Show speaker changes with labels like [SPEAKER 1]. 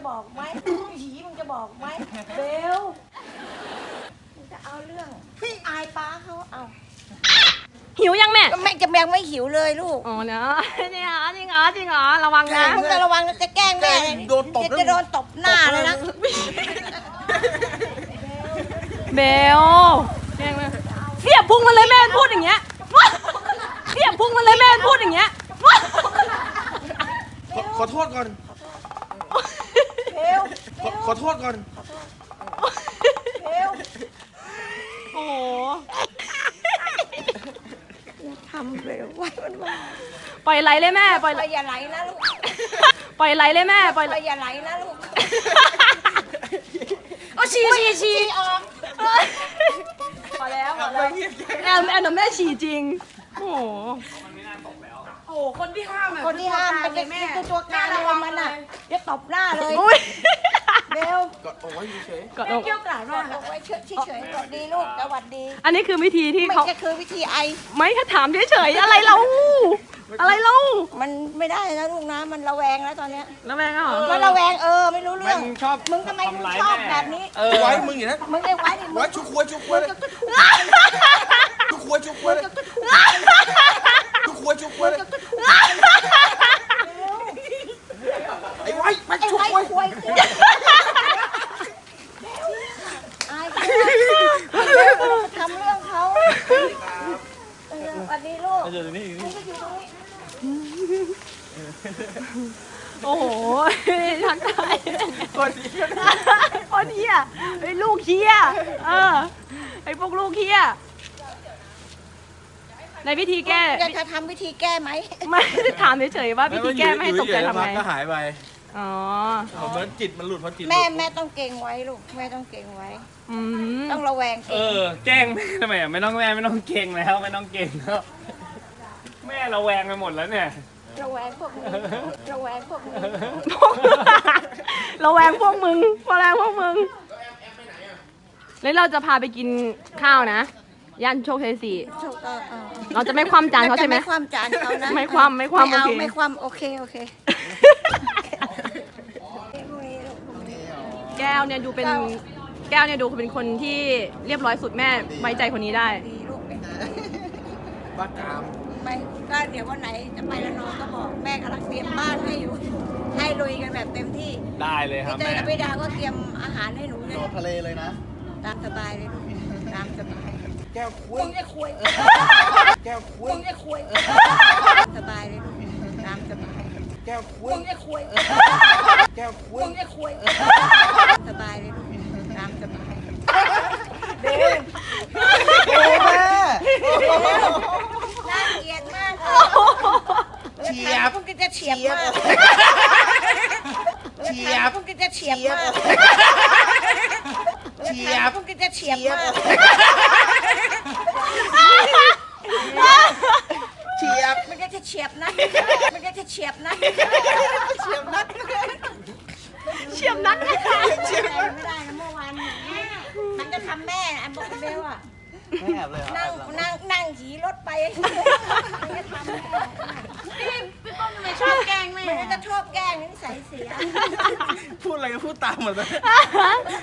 [SPEAKER 1] บอกไหมผีมึงจะบอกไหมเบลมึงจะเอาเรื่องอายป้าเขาเอา
[SPEAKER 2] หิวยังแม่
[SPEAKER 1] แม่จะแมงไม่หิวเลยลูก
[SPEAKER 2] อ๋อเนาะนี่เหรอจริงเหรอจริงเหรอระวังนะ
[SPEAKER 1] มึงจะระวังจะแกล้งแม่
[SPEAKER 3] โดนตบ
[SPEAKER 1] จะโดนตบหน้าเลยนะ
[SPEAKER 2] เบลแกล้งเลยเสียบพุงมันเลยแม่พูดอย่างเงี้ยเสียบพุงมันเลยแม่พูดอย่างเงี้ย
[SPEAKER 3] ขอโทษก่อน
[SPEAKER 1] เบล
[SPEAKER 3] ขอโทษก่อน
[SPEAKER 1] เบล
[SPEAKER 2] โอ้โห
[SPEAKER 1] ทำเบลไว้มันว่า
[SPEAKER 2] ปล่อยไหลเลยแม่ปล่อย
[SPEAKER 1] ไปอย่าไหลนะลูก
[SPEAKER 2] ปล่อยไหลเลยแม่ปล่อยไหล
[SPEAKER 1] ไปอย่าไหลนะลูก
[SPEAKER 2] โอ้ฉี่
[SPEAKER 1] ออก
[SPEAKER 2] พอแล้วแอนแม่ฉี่จริงโอ้โหโอ้คนที่ห้ามอะ
[SPEAKER 1] คนที่ห้ามเป็นคือตัวการเลยมันอ่ะจะตบหน้าเลย
[SPEAKER 2] อุ้ย
[SPEAKER 1] เบล
[SPEAKER 3] กดเอาไว้เฉย
[SPEAKER 2] กด
[SPEAKER 1] เกี่ยวกราดมากเอาไว้เฉยๆสวัสดีลูกสวัสดี
[SPEAKER 2] อันนี้คือวิธีที่
[SPEAKER 1] ไม่
[SPEAKER 2] เขา
[SPEAKER 1] ใช่คือวิธีไอ
[SPEAKER 2] ไม่ถ้าถามเฉยๆอะไรเราอะไรเรา
[SPEAKER 1] มันไม่ได้นะลูกนะมันระแวงแล้วตอนเนี้ย
[SPEAKER 2] แล้วแม่ก็เหรอ
[SPEAKER 1] มันระแวงไม่รู้
[SPEAKER 3] ๆ
[SPEAKER 1] เรื่อง
[SPEAKER 3] มึงชอบ
[SPEAKER 1] มึงทำไมมึงชอบแบบนี้
[SPEAKER 3] ไว้มึงอย่างนั้น
[SPEAKER 1] มึงได้ไว้ดิมึ
[SPEAKER 3] ไว้
[SPEAKER 1] ง
[SPEAKER 3] ชุกควยชุกควยเลยชุกควยชุกควยเลยชุกควยชุกควยเลยไอ้ไว้ไป
[SPEAKER 1] ไอ้
[SPEAKER 3] ชุก
[SPEAKER 1] ไว้
[SPEAKER 3] ควย
[SPEAKER 1] ควยไอ้ทำเรื่องเขาสวัสดีลูก
[SPEAKER 3] เดี๋ยวนี้
[SPEAKER 1] มึงก็อยู่ตรงนี้
[SPEAKER 2] โอ้โหทักทาย
[SPEAKER 3] คนนี้ก็
[SPEAKER 2] คนเฮียไอ้ลูกเฮียไอ้พวกลูกเฮียในวิธีแก้
[SPEAKER 1] อยากจะทำวิธีแก้ไหม
[SPEAKER 2] ไม่ได้ถามเฉยๆว่าวิธีแก้ไม่ให้ตกใจทำไง
[SPEAKER 3] ก็หายไป
[SPEAKER 2] อ๋อ
[SPEAKER 3] เหมือนจิตมันหลุดเพราะจิต
[SPEAKER 1] แม่ต้องเก่งไว้ลูกแม่ต้องเก่งไว้
[SPEAKER 2] อืม
[SPEAKER 1] ต้องระแวง
[SPEAKER 4] เอ
[SPEAKER 1] เก่ง
[SPEAKER 4] อแกล้งแม่ทำไมอ่ะไม่ต้องแม่ไม่ต้องเก่งแล้วไม่ต้องเก่งแล้วแม่เราแวงไปหมดแล้วเนี่ย
[SPEAKER 1] ระแวงพวกนี้ระแวงพวกนี้
[SPEAKER 2] เราแวงพวกมึงเราแวงพวกมึงแล้วเราจะพาไปกินข้าวนะย่านโชคชัย4เราจะไม่คว่ำจานเขาใช่ไหม
[SPEAKER 1] ไม่คว่ำจานเขานะ
[SPEAKER 2] ไม่คว่ำไม่คว่ำ
[SPEAKER 1] เอา
[SPEAKER 2] โอเค
[SPEAKER 1] ไม่คว่ำโอเค
[SPEAKER 2] แก้วเนี่ยดูเป็นแก้วเนี่ยดูเป็นคนที่เรียบร้อยสุดแม่ไว้ใจคนนี้ได้
[SPEAKER 1] ดีลูก
[SPEAKER 3] บ้ากาม
[SPEAKER 1] ไปก็เดี๋ยววันไหนจะไปละนองก็บอกแม่กำลังเตรียมบ้านให้อยู่ให้ลุยกันแบบเต็มที่
[SPEAKER 4] ได้เลยครับ
[SPEAKER 1] พี่เตย
[SPEAKER 4] แม่
[SPEAKER 1] กับพี่ดาก็เตรียมอาหารให้หนูเลย
[SPEAKER 3] โดดทะเลเลยนะ
[SPEAKER 1] ตามสบายเลยลูกตามสบาย
[SPEAKER 3] แก้วคุย
[SPEAKER 1] มึงจะคุย
[SPEAKER 3] แก้วคุย
[SPEAKER 1] มึงจะคุยสบายเลยลูกตามสบาย
[SPEAKER 3] แก้วคุย
[SPEAKER 1] มึงจะคุย
[SPEAKER 3] แก้วคุย
[SPEAKER 1] มึงจะคุยสบายเลยลูกตามสบาย
[SPEAKER 3] โอ้แม่
[SPEAKER 1] น่าเกลียดมาก
[SPEAKER 3] เฉียบ
[SPEAKER 1] พวกกินจะเฉียบมาก
[SPEAKER 3] เฉียบ
[SPEAKER 1] พวกกินจะเฉียบมาก
[SPEAKER 3] เฉียบ
[SPEAKER 1] พวกกินจะเฉียบมาก
[SPEAKER 3] เฉียบ
[SPEAKER 1] มันก็จะเฉียบนะมันก็จะเฉียบนะ
[SPEAKER 3] เฉียบนัก
[SPEAKER 2] เฉียบนักเลยค่ะ
[SPEAKER 1] ไม่ได้นะเมื่อวานมันจะทำแม่อันบอกเบลอ่ะ
[SPEAKER 3] ไม่แอบเลย
[SPEAKER 1] นั่งขี่รถไปมันจะทำแม่
[SPEAKER 2] พี่ป้อมทำไมชอบแกล้งแม่
[SPEAKER 1] มันจะชอบแกล้งนิสัยเสีย
[SPEAKER 3] พูดอะไรก็พูดตามหมดเลย